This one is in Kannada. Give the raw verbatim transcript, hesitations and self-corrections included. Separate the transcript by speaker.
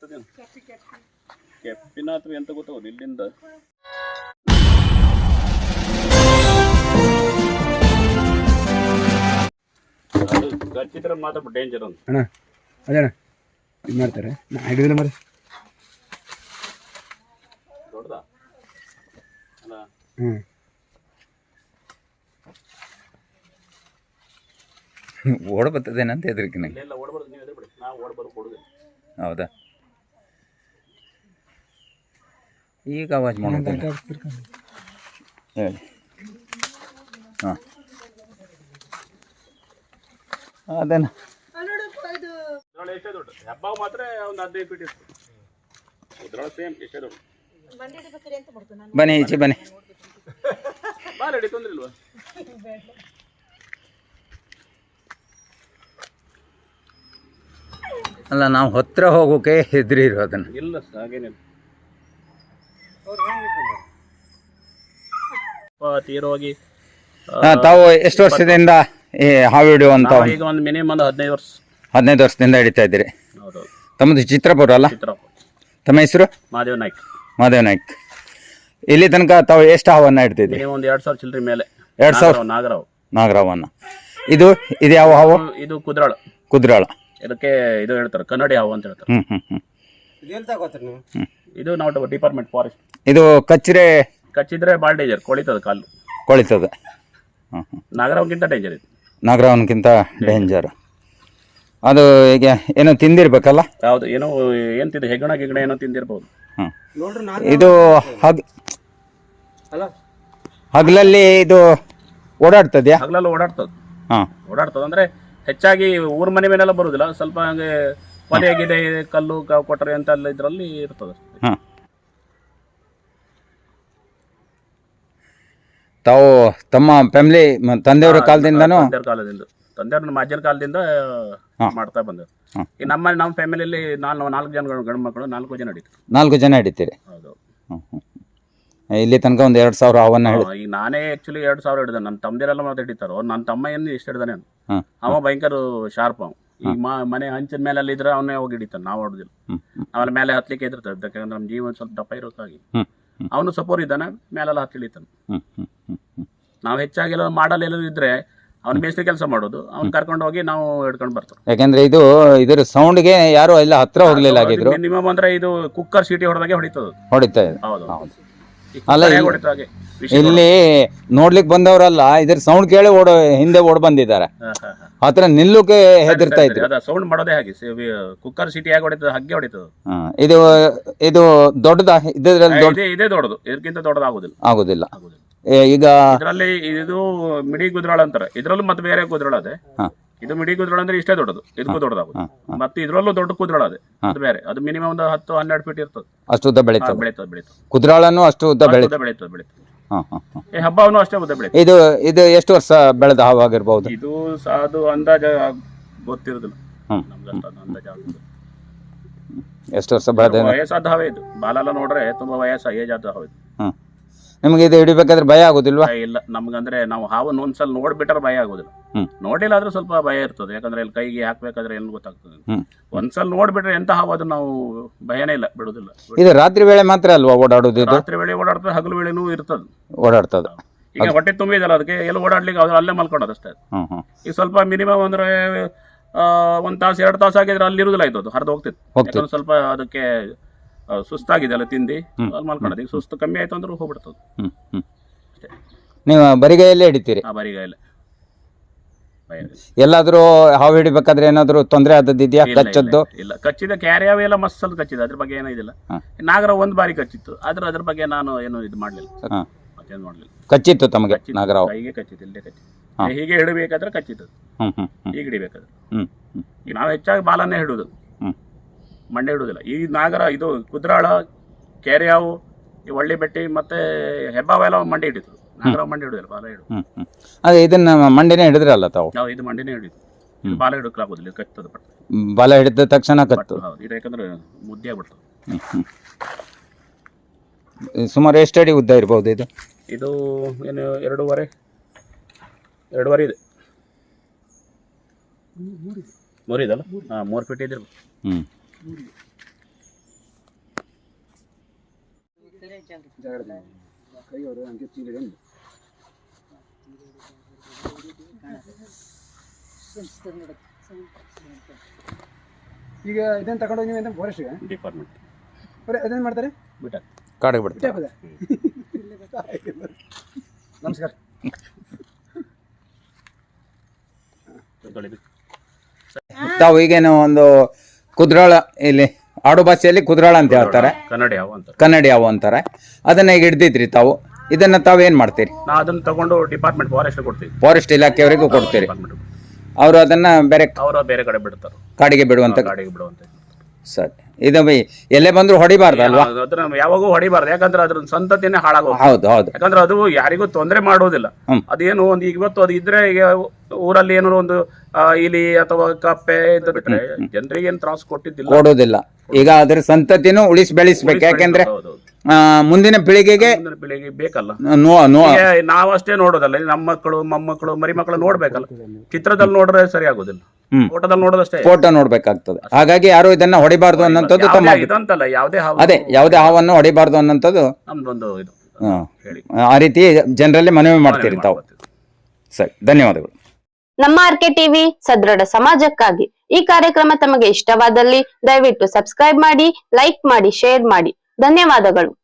Speaker 1: ಆಗ್ತದೇನು ಕೆಪ್ಪಿನ ಅಥವಾ ಎಂತ ಗೊತ್ತಾಗೋದು ಇಲ್ಲಿಂದ ಅದು ಕಚ್ಚಿದ್ರೆ ಮಾತ್ರ ಡೇಂಜರ್ ಅಂತ
Speaker 2: ಅಣ್ಣ ಅದೇಣ್ಣ ಇದು ಮಾಡ್ತಾರೆ ನಾ ಹಿಡಿದಿಲ್ಲ ಮರ
Speaker 1: ದೊಡ್ಡದಾ ಅಲ್ಲ
Speaker 2: ಹ್ಞೂ
Speaker 3: ಓಡ ಬರ್ತದೇನಂತ ಹೆದರಿಕಿನ
Speaker 1: ಇಲ್ಲೆಲ್ಲ ಓಡಬಾರ್ದು ನೀವು ಎದುರು ಬಿಡಿ ನಾವು ಓಡಬಾರ್ದು ಕೊಡುದಿಲ್ಲ
Speaker 3: ಹೌದಾ ಈಗ ಆವಾಜ್ ಮಾಡೋದು ಹೇಳಿ ಹಾಂ ಅದೇನ
Speaker 1: ಇದ್ರೊಳಗೆ ಎಷ್ಟೇ ದೊಡ್ಡ ಹೆಬ್ಬಾವು ಮಾತ್ರ ಒಂದು ಹದಿನೈದು ಫೀಟ್ ಇತ್ತು ಇದ್ರೊಳಗೆ ಸೇಮ್ ಎಷ್ಟೇ ದೊಡ್ಡ
Speaker 3: ಬನ್ನಿ ಈಚೆ ಬನ್ನಿ
Speaker 1: ಬಾ ರೆಡಿ ತೊಂದ್ರೆ ಇಲ್ವಾ
Speaker 3: ಅಲ್ಲ ನಾವು ಹತ್ತಿರ ಹೋಗೋಕೆ ಹೆದರಿ ಇರೋದನ್ನು
Speaker 1: ಇಲ್ಲ ಹಾಗೇನಿಲ್ಲ ತೀರೋಗಿ
Speaker 3: ತಾವು ಎಷ್ಟು ವರ್ಷದಿಂದ ಈ ಹಾವು ಹಿಡಿಯೋ ಅಂತ
Speaker 1: ಈಗ ಒಂದು ಮಿನಿಮಮ್ ಒಂದು ಹದಿನೈದು ವರ್ಷ
Speaker 3: ಹದಿನೈದು ವರ್ಷದಿಂದ ಹಿಡಿತಾ ಇದ್ದೀರಿ
Speaker 1: ಹೌದು
Speaker 3: ತಮ್ಮದು ಚಿತ್ರಪುರ ಅಲ್ಲ
Speaker 1: ಚಿತ್ರಪುರ
Speaker 3: ತಮ್ಮ ಹೆಸರು
Speaker 1: ಮಹಾದೇವ್ ನಾಯ್ಕ
Speaker 3: ಮಾದೇವ್ ನಾಯ್ಕ್ ಇಲ್ಲಿ ತನಕ ತಾವು ಎಷ್ಟು ಹಾವನ್ನು ಹಿಡ್ತಿದ್ರಿ
Speaker 1: ಮಿನಿಮಮ್ ಒಂದು ಎರಡು ಸಾವಿರ ಚಿಲ್ಲರೆ ಮೇಲೆ
Speaker 3: ಎರಡು ಸಾವಿರ
Speaker 1: ನಾಗರಾವ್
Speaker 3: ನಾಗರಾವನ್ನ ಇದು ಇದು ಯಾವ ಹಾವು
Speaker 1: ಇದು ಕುದ್ರಾಳ
Speaker 3: ಕುದ್ರಾಳ
Speaker 1: ಇದಕ್ಕೆ ಇದು ಹೇಳ್ತಾರೆ ಕನ್ನಡಿ ಹಾವು ಅಂತ ಹೇಳ್ತಾರೆ
Speaker 3: ಹ್ಞೂ ಹ್ಞೂ ಹ್ಞೂ ಹ್ಞೂ
Speaker 1: ಇದು ನಾವು ಡಿಪಾರ್ಟ್ಮೆಂಟ್ ಫಾರೆಸ್ಟ್
Speaker 3: ಇದು ಕಚ್ರೆ
Speaker 1: ಕಚ್ಚಿದ್ರೆ ಭಾಳ ಡೇಂಜರ್ ಕೊಳಿತದ ಕಾಲು
Speaker 3: ಕೊಳಿತದೆ ಹ್ಞೂ ಹ್ಞೂ
Speaker 1: ನಾಗರಾವ್ಗಿಂತ ಡೇಂಜರ್ ಇದು
Speaker 3: ನಾಗರಾವನ್ಕಿಂತ ಡೇಂಜರ್ ಅದು ಈಗ ಏನೋ ತಿಂದಿರ್ಬೇಕಲ್ಲ
Speaker 1: ಯಾವುದು ಏನೋ ಏನು ತಿಂದು ಹೆಗ್ಗಣ ಗಿಗಣ ಏನೋ ತಿಂದಿರ್ಬೋದು
Speaker 3: ಹ್ಞೂ ಇದು ಹಗ್ ಹಗಲಲ್ಲಿ ಇದು ಓಡಾಡ್ತದ್ಯಾ
Speaker 1: ಹಗಲೆಲ್ಲ ಓಡಾಡ್ತದೆ
Speaker 3: ಹಾಂ
Speaker 1: ಓಡಾಡ್ತದೆ ಅಂದ್ರೆ ಹೆಚ್ಚಾಗಿ ಊರ ಮನೆ ಮೇಲೆಲ್ಲ ಬರುದಿಲ್ಲ ಸ್ವಲ್ಪ ಹಂಗೆ ಕೊಲೆ ಗಿದೆ ಕಲ್ಲು ಕ- ಕೊಟ್ಟರೆ ಅಂತೆಲ್ಲ ಇದರಲ್ಲಿ ಇರ್ತದೆ
Speaker 3: ಹಾಂ ತಾವು ತಮ್ಮ ಫ್ಯಾಮಿಲಿ ತಂದೆಯವರ ಕಾಲದಿಂದನೂ
Speaker 1: ತಂದೆಯವ್ರ ಕಾಲದಿಂದ ತಂದೆಯವ್ರ ನಮ್ಮ ಅಜ್ಜನ ಕಾಲದಿಂದ ಮಾಡ್ತಾ ಬಂದ
Speaker 3: ಹಾಂ.
Speaker 1: ಈ ನಮ್ಮ ನಮ್ಮ ಫ್ಯಾಮಿಲಿಯಲ್ಲಿ ನಾನು ನಾಲ್ಕು ಜನ ಗಂಡು ಮಕ್ಕಳು ನಾಲ್ಕು ಜನ ನಡೀತು
Speaker 3: ನಾಲ್ಕು ಜನ ಹಿಡಿತೀರಿ
Speaker 1: ಹೌದು
Speaker 3: ಹ್ಞೂ ಹ್ಞೂ ಇಲ್ಲಿ ತನಕ ಒಂದು ಎರಡು ಸಾವಿರ ಹಾವನ್ನು ಹಿಡಿ
Speaker 1: ಈಗ ನಾನೇ ಆಕ್ಚುಲಿ ಎರಡು ಸಾವಿರ ಹಿಡಿದ ನನ್ನ ತಮ್ಮದಿರೆಲ್ಲ ಮತ್ತೆ ಹಿಡಿತಾರೋ ನನ್ನ ತಮ್ಮ ಏನು ಇಷ್ಟು ಹಿಡಿದಾನೆ
Speaker 3: ಹಾಂ
Speaker 1: ಅವ ಭಯಂಕರ ಶಾರ್ಪ್ ಅವ ಈಗ ಮ ಮನೆ ಹಂಚಿನ ಮೇಲೆ ಇದ್ರೆ ಅವನೇ ಹೋಗಿ ಹಿಡಿತಾನೆ ನಾವು ಹೊಡೆದಿಲ್ಲ
Speaker 3: ಹ್ಞೂ
Speaker 1: ಆಮೇಲೆ ಮೇಲೆ ಹತ್ಲಿಕ್ಕೆ ಇದಿರ್ತದೆ ಯಾಕಂದ್ರೆ ನಮ್ಮ ಜೀವನ ಸ್ವಲ್ಪ ದಪ್ಪ ಇರೋಕ್ಕಾಗಿ
Speaker 3: ಹ್ಞೂ
Speaker 1: ಅವನು ಸಪೋರ್ ಇದ್ದಾನೆ ಮೇಲೆಲ್ಲ ಹತ್ತಿ ಇಳಿತಾನೆ
Speaker 3: ಹ್ಞೂ ಹ್ಞೂ ಹ್ಞೂ ಹ್ಞೂ
Speaker 1: ನಾವು ಹೆಚ್ಚಾಗಿ ಎಲ್ಲ ಮಾಡಲ್ ಎಲ್ಲರೂ ಇದ್ರೆ ಅವ್ನು ಮೇಸ್ತ್ರಿ ಕೆಲಸ ಮಾಡೋದು ಅವ್ನು ಕರ್ಕೊಂಡು ಹೋಗಿ ನಾವು ಹಿಡ್ಕೊಂಡು ಬರ್ತಾರೆ
Speaker 3: ಯಾಕಂದ್ರೆ ಇದು ಇದ್ರ ಸೌಂಡ್ಗೆ ಯಾರು ಎಲ್ಲ ಹತ್ರ ಹೋಗ್ಲಿಲ್ಲ ಆಗಿದ್ರು
Speaker 1: ಮಿನಿಮಮ್ ಅಂದ್ರೆ ಇದು ಕುಕ್ಕರ್ ಸೀಟಿ ಹೊಡೆದಾಗೆ ಹೊಡಿತದ
Speaker 3: ಹೊಡಿತಾ ಇದೆ
Speaker 1: ಹೌದು
Speaker 3: ಹೌದು
Speaker 1: ಈ
Speaker 3: ಅಲ್ಲ,
Speaker 1: ಕುಕ್ಕರ್ ಹೇಗೆ
Speaker 3: ಇಲ್ಲಿ-
Speaker 1: ಹೊಡಿತದ ಹಾಗೆ ವಿಷಯ
Speaker 3: ಇಲ್ಲಿ ನೋಡ್ಲಿಕ್ಕೆ ಬಂದವರಲ್ಲ ಇದ್ರ ಸೌಂಡ್ ಕೇಳಿ ಓಡ ಹಿಂದೆ ಓಡ್ ಬಂದಿದ್ದಾರೆ
Speaker 1: ಹಾ, ಹಾ, ಹಾ.
Speaker 3: ಹತ್ರ ನಿಲ್ಲುಕೆ ಹೆದರ್ತಾ
Speaker 1: ಸರಿ,
Speaker 3: ಇದ್ರು
Speaker 1: ಅದ ಸೌಂಡ್ ಮಾಡೋದೇ ಹಾಗೆ ಕುಕ್ಕರ್ ಸೀಟಿ ಹೇಗೆ ಹೊಡಿತದ ಹಾಗೆ ಹೊಡಿತದ
Speaker 3: ಹಾ, ಇದು ಇದು ದೊಡ್ಡದ ಇದ್ರಲ್ಲಿ ದೊಡ್ಡ
Speaker 1: ಇದೇ ಇದೇ ದೊಡ್ಡದು ಇದಕ್ಕಿಂತ ದೊಡ್ಡದಾಗುದಿಲ್ಲ
Speaker 3: ಆಗುದಿಲ್ಲ
Speaker 1: ಆಗುದಿಲ್ಲ
Speaker 3: ಏ, ಈಗ
Speaker 1: ಇದರಲ್ಲಿ ಇದು ಮಿಡಿ ಗುದ್ರಾಳ ಅಂತಾರೆ ಇದ್ರಲ್ಲೂ ಮತ್ತೆ ಬೇರೆ ಗುದ್ರಾಳ ಅದೇ
Speaker 3: ಹಾ.
Speaker 1: ಇದು ಮಿಡಿ ಗುದ್ರಾಳ ಅಂದ್ರೆ ಇಷ್ಟೇ ದೊಡ್ಡದು ಇದಕ್ಕೂ ದೊಡ್ಡದಾಗುದು
Speaker 3: ಹಾ, ಹಾ.
Speaker 1: ಮತ್ತೆ ಇದ್ರಲ್ಲೂ ದೊಡ್ಡ ಕುದ್ರಾಳ ಅದೇ ಅದು ಬೇರೆ ಅದು ಮಿನಿಮಮ್ ಒಂದು ಹತ್ತು ಹನ್ನೆರಡು ಫೀಟ್ ಇರ್ತದೆ
Speaker 3: ಅಷ್ಟು ಉದ್ದ ಬೆಳೀತದೆ
Speaker 1: ಬೆಳೀತದೆ ಬೆಳೀತದೆ
Speaker 3: ಕುದ್ರಾಳನು ಅಷ್ಟು ಉದ್ದ ಬೆಳೀತದೆ
Speaker 1: ಉದ್ದ ಬೆಳೀತದೆ ಬೆಳೀತದೆ
Speaker 3: ಹಾ ಹಾ ಹಾ.
Speaker 1: ಈ ಹಬ್ಬವನ್ನು ಅಷ್ಟೇ ಉದ್ದ ಬೆಳೀತದೆ
Speaker 3: ಇದು ಇದು ಎಷ್ಟು ವರ್ಷ ಬೆಳೆದ ಹಾವಾಗಿರ್ಬಹುದು
Speaker 1: ಇದು ಸ- ಅದು ಅಂದಾಜ ಗೊತ್ತಿರೋದಿಲ್ಲ
Speaker 3: ಹ್ಮ್.
Speaker 1: ನಮ್ಗೆ ಅಷ್ಟು ಅದು ಅಂದಾಜ ಆಗುದಿಲ್ಲ.
Speaker 3: ಎಷ್ಟು ವರ್ಷ ಬೆಳೆದ
Speaker 1: ವಯಸ್ಸಾದ ಹಾವೇ ಇದು ಬಾಲೆಲ್ಲ ನೋಡ್ರೆ ತುಂಬಾ ವಯಸ್ಸ ಏಜ್ ಆದ ಹಾವು ಇದು
Speaker 3: ಹ್ಮ್ ನಿಮಗೆ ಇದು ಹಿಡಿಬೇಕಾದ್ರೆ ಭಯ ಆಗುದಿಲ್ವಾ
Speaker 1: ಭಯ ಇಲ್ಲ ನಮ್ಗಂದ್ರೆ ನಾವು ಹಾವನ್ನು ಒಂದ್ಸಲ ನೋಡ್ಬಿಟ್ರೆ ಭಯ ಆಗುದಿಲ್ಲ
Speaker 3: ಹ್ಮ್.
Speaker 1: ನೋಡಿಲ್ಲ ಆದ್ರೂ ಸ್ವಲ್ಪ ಭಯ ಇರ್ತದೆ ಯಾಕಂದ್ರೆ ಇಲ್ಲಿ ಕೈಗೆ ಹಾಕ್ಬೇಕಾದ್ರೆ ಏನು ಗೊತ್ತಾಗ್ತದೆ
Speaker 3: ಹ್ಮ್.
Speaker 1: ಒಂದ್ಸಲ ನೋಡ್ಬಿಟ್ರೆ ಎಂತ ಹಾವು ಅದು ನಾವು ಭಯನೇ ಇಲ್ಲ ಬಿಡುದಿಲ್ಲ
Speaker 3: ಇದು ರಾತ್ರಿ ವೇಳೆ ಮಾತ್ರ ಅಲ್ವಾ ಓಡಾಡೋದು ಇದು
Speaker 1: ರಾತ್ರಿ ವೇಳೆ ಓಡಾಡ್ತದೆ ಹಗಲು ವೇಳೆನೂ ಇರ್ತದೆ
Speaker 3: ಓಡಾಡ್ತದ
Speaker 1: ಈಗ ಹೊಟ್ಟೆ ತುಂಬಿದಲ್ಲ ಅದಕ್ಕೆ ಎಲ್ಲ ಓಡಾಡ್ಲಿಕ್ಕೆ ಅವ್ರು ಅಲ್ಲೇ ಮಲ್ಕೊಳ್ಳೋದು ಅಷ್ಟೇ
Speaker 3: ಹ್ಮ್ ಹ್ಮ್
Speaker 1: ಈಗ ಸ್ವಲ್ಪ ಮಿನಿಮಮ್ ಅಂದ್ರೆ ಆ, ಒಂದ್ ತಾಸು ಎರಡು ತಾಸು ಆಗಿದ್ರೆ ಅಲ್ಲಿ ಇರುದಿಲ್ಲ ಆಯ್ತು ಅದು ಹರಿದು ಹೋಗ್ತಿತ್ತು
Speaker 3: ಹೋಗ್ತಿತ್ತು.
Speaker 1: ಯಾಕಂದ್ರೆ ಸ್ವಲ್ಪ ಅದಕ್ಕೆ ಆ, ಸುಸ್ತಾಗಿದೆ ಅಲ್ಲ ತಿಂದು ಅಲ್ಲಿ ಮಲ್ಕೊಳ್ಳೋದು ಈಗ ಸುಸ್ತು ಕಮ್ಮಿ ಆಯ್ತು ಅಂದ್ರೆ ಹೋಗ್ಬಿಡ್ತದೆ
Speaker 3: ಹ್ಮ್ ಹ್ಮ್ ನೀವು ಬರಿಗೈಯಲ್ಲೇ ಹಿಡಿತೀರಿ
Speaker 1: ಆ ಬರಿಗಾಯಿಲೆ ಭಯ ಇಲ್ಲ.
Speaker 3: ಎಲ್ಲಾದ್ರೂ ಹಾವು ಹಿಡಿಬೇಕಾದ್ರೆ ಏನಾದ್ರು ತೊಂದರೆ ಆದದ್ದಿದ್ಯಾ
Speaker 1: ಇಲ್ಲ,
Speaker 3: ಕಚ್ಚದ್ದು
Speaker 1: ಇಲ್ಲ, ಇಲ್ಲ ಕಚ್ಚಿದ ಕ್ಯಾರಿಯಾವ್ ಎಲ್ಲ ಮಸ್ಸಲ್ಲಿ ಕಚ್ಚಿದೆ ಅದ್ರ ಬಗ್ಗೆ ಏನೂ ಇದಿಲ್ಲ
Speaker 3: ಹಾ.
Speaker 1: ನಾಗರ ಒಂದ್ ಬಾರಿ ಕಚ್ಚಿತ್ತು ಆದ್ರೆ ಅದ್ರ ಬಗ್ಗೆ ನಾನು ಏನು ಇದು ಮಾಡ್ಲಿಲ್ಲ
Speaker 3: ಹಾ.
Speaker 1: ಮತ್ತೇನು ಮಾಡ್ಲಿಲ್ಲ
Speaker 3: ಕಚ್ಚಿತ್ತು ತಮಗೆ
Speaker 1: ಕಚ್ಚಿತ್ತು,
Speaker 3: ನಾಗರಾವ್
Speaker 1: ಕೈಗೆ ಕಚ್ಚಿತ್ತು ಇಲ್ಲೇ ಕಚ್ಚಿತ್ತು
Speaker 3: ಹಾ.
Speaker 1: ಹೀಗೆ ಹಿಡಬೇಕಾದ್ರೆ ಕಚ್ಚಿತ್ತು
Speaker 3: ಹ್ಮ್ ಹ್ಮ್ ಹ್ಮ್
Speaker 1: ಹೀಗೆ ಹಿಡಿಬೇಕಾದ್ರೆ
Speaker 3: ಹ್ಮ್ ಹ್ಮ್
Speaker 1: ಈಗ ನಾವು ಹೆಚ್ಚಾಗಿ ಬಾಲನ್ನೇ ಹಿಡುದು
Speaker 3: ಹ್ಮ್
Speaker 1: ಮಂಡೆ ಹಿಡುದಿಲ್ಲ ಈ ನಾಗರ ಇದು ಕುದ್ರಾಳ ಕೆರೆಯಾವು ಈ ಒಳ್ಳಿ ಬೆಟ್ಟಿ ಮತ್ತೆ ಹೆಬ್ಬಾವೆಲ್ಲ ಮಂಡೆ ಹಿಡಿತು ನಾಗರ ಮಂಡೆ ಹಿಡುದಿಲ್ಲ ಬಾಲ ಹಿಡು
Speaker 3: ಹ್ಮ್ ಹ್ಮ್ ಅದೇ ಇದನ್ನ ಮಂಡಿನೇ ಹಿಡಿದ್ರಲ್ಲ ತಾವು
Speaker 1: ನಾವು ಇದು ಮಂಡಿನೇ ಹಿಡಿದು
Speaker 3: ಹ್ಮ್.
Speaker 1: ಬಾಲ ಹಿಡಕ್ಲಾಗುದಿಲ್ಲ ಇದು ಕಚ್ಚದ ಪಟ್ಟು
Speaker 3: ಬಲ ಹಿಡಿದ ತಕ್ಷಣ ಕತ್ತು
Speaker 1: ಹೌದು ಇದು ಯಾಕಂದ್ರೆ ಮುದ್ದೆ ಆಗ್ಬಿಡ್ತದೆ
Speaker 3: ಹ್ಮ್ ಹ್ಮ್ ಸುಮಾರು ಎಷ್ಟು ಅಡಿ ಉದ್ದ ಇರ್ಬೋದು ಇದು
Speaker 1: ಇದು ಏನು ಎರಡೂವರೆ ಎರಡೂವರೆ ಇದೆ ಮೂರಿದಲ್ಲ ಹಾಂ ಮೂರು ಫೀಟ್ ಇದಿರ್ಬೋದು
Speaker 3: ಹ್ಮ್
Speaker 2: ಜಾಗ್ರತೆ ಕೈ ಅವರು ಹಂಗೆ ಚೀಲಿದೆ ಅಂದ್ರು. ಈಗ ಇದನ್ನ ತಗೊಂಡೋಗಿ ನೀವು ಎಂತ ಫಾರೆಸ್ಟ್ಗೆ
Speaker 1: ಡಿಪಾರ್ಟ್ಮೆಂಟ್
Speaker 2: ಬರೀ ಅದೇನು ಮಾಡ್ತಾರೆ
Speaker 1: ಬಿಟ್ಟ
Speaker 3: ಕಾಡಿಗೆ ಬಿಡ್ತಾರೆ.
Speaker 2: ಹಾಕೋದ ನಮಸ್ಕಾರ.
Speaker 3: ತಾವು ಈಗೇನು ಒಂದು ಕುದ್ರಾಳ ಇಲ್ಲಿ ಆಡು ಭಾಷೆಯಲ್ಲಿ ಕುದ್ರಾಳ ಅಂತ ಹೇಳ್ತಾರೆ,
Speaker 1: ಕನ್ನಡ ಯಾವ ಅಂತ
Speaker 3: ಕನ್ನಡಿ ಯಾವ ಅಂತಾರೆ. ಅದನ್ನ ಈಗ ಹಿಡ್ದಿದ್ರಿ ತಾವು, ಇದನ್ನ ತಾವು ಏನ್ ಮಾಡ್ತೀರಿ?
Speaker 1: ನಾ ಅದನ್ನ ತಗೊಂಡು ಡಿಪಾರ್ಟ್ಮೆಂಟ್ ಫಾರೆಸ್ಟ್ ಕೊಡ್ತೀವಿ,
Speaker 3: ಫಾರೆಸ್ಟ್ ಇಲಾಖೆಯವರಿಗೂ ಕೊಡ್ತೀರಿ.
Speaker 1: ಡಿಪಾರ್ಟ್ಮೆಂಟ್
Speaker 3: ಅವರು ಅದನ್ನ ಬೇರೆ
Speaker 1: ಅವರು ಬೇರೆ ಕಡೆ ಬಿಡ್ತಾರೆ,
Speaker 3: ಕಾಡಿಗೆ ಬಿಡುವಂತ.
Speaker 1: ಗಾಡಿಗೆ ಬಿಡುವಂತ.
Speaker 3: ಸರಿ, ಇದು ಬೈ ಎಲ್ಲೇ ಬಂದ್ರು ಹೊಡಿಬಾರ್ದಲ್ವಾ?
Speaker 1: ಅದನ್ನ ಯಾವಾಗೂ ಹೊಡಿಬಾರ್ದು, ಯಾಕಂದ್ರೆ ಅದ್ರ ಸಂತತಿನೇ ಹಾಳಾಗೋದು.
Speaker 3: ಹೌದು ಹೌದು.
Speaker 1: ಯಾಕಂದ್ರೆ ಅದು ಯಾರಿಗೂ ತೊಂದರೆ ಮಾಡೋದಿಲ್ಲ.
Speaker 3: ಹ್ಮ್.
Speaker 1: ಅದೇನು ಒಂದು ಇವತ್ತು ಅದು ಇದ್ರೆ ಈಗ ಊರಲ್ಲಿ ಏನಾದ್ರು ಒಂದು ಆ, ಇಲಿ ಅಥವಾ ಕಪ್ಪೆ ಅಂತ ಬಿಟ್ರೆ ಜನರಿಗೆ ಏನ್ ತ್ರಾಸ ಕೊಟ್ಟಿದ್ದಿಲ್ಲ,
Speaker 3: ಕೊಡೋದಿಲ್ಲ. ಈಗ ಅದ್ರ ಸಂತತಿನೂ ಉಳಿಸಿ ಬೆಳೆಸ್ಬೇಕು, ಯಾಕೆಂದ್ರೆ
Speaker 1: ಹೌದು, ಹೌದು.
Speaker 3: ಆ, ಮುಂದಿನ ಪೀಳಿಗೆಗೆ
Speaker 1: ಮುಂದಿನ ಪೀಳಿಗೆ ಬೇಕಲ್ಲ.
Speaker 3: ನೋ ನೋ
Speaker 1: ಈಗ ನಾವಷ್ಟೇ ನೋಡೋದಲ್ಲ, ನಮ್ಮ ಮಕ್ಕಳು ಮೊಮ್ಮಕ್ಕಳು ಮರಿ ಮಕ್ಕಳು ನೋಡ್ಬೇಕಲ್ಲ. ಚಿತ್ರದಲ್ಲಿ ನೋಡ್ರೆ ಸರಿ ಆಗೋದಿಲ್ಲ,
Speaker 3: ಹ್ಮ್.
Speaker 1: ಫೋಟೋದಲ್ಲಿ ನೋಡೋದಷ್ಟೇ.
Speaker 3: ಫೋಟೋ ನೋಡ್ಬೇಕಾಗ್ತದೆ. ಹಾಗಾಗಿ ಯಾರು ಇದನ್ನ ಹೊಡಿಬಾರ್ದು ಅನ್ನೋಂಥದ್ದು ತಮ್ಮ
Speaker 1: ಯಾವುದೇ ಇದಂತಲ್ಲ, ಯಾವುದೇ ಹಾವು
Speaker 3: ಅದೇ ಯಾವುದೇ ಹಾವನ್ನು ಹೊಡಿಬಾರ್ದು ಅನ್ನೋಂಥದ್ದು
Speaker 1: ನಮ್ದೊಂದು ಇದು
Speaker 3: ಹಾ.
Speaker 1: ಹೇಳಿ
Speaker 3: ಆ ರೀತಿ ಜನರಲ್ಲಿ ಮನವಿ ಮಾಡ್ತೀರಿ ತಾವು. ಸರಿ, ಧನ್ಯವಾದಗಳು.
Speaker 4: ನಮ್ಮ ಆರ್ಕೆ ಟಿವಿ ಸದೃಢ ಸಮಾಜಕ್ಕಾಗಿ. ಈ ಕಾರ್ಯಕ್ರಮ ತಮಗೆ ಇಷ್ಟವಾದಲ್ಲಿ ದಯವಿಟ್ಟು ಸಬ್ಸ್ಕ್ರೈಬ್ ಮಾಡಿ, ಲೈಕ್ ಮಾಡಿ, ಶೇರ್ ಮಾಡಿ. ಧನ್ಯವಾದಗಳು.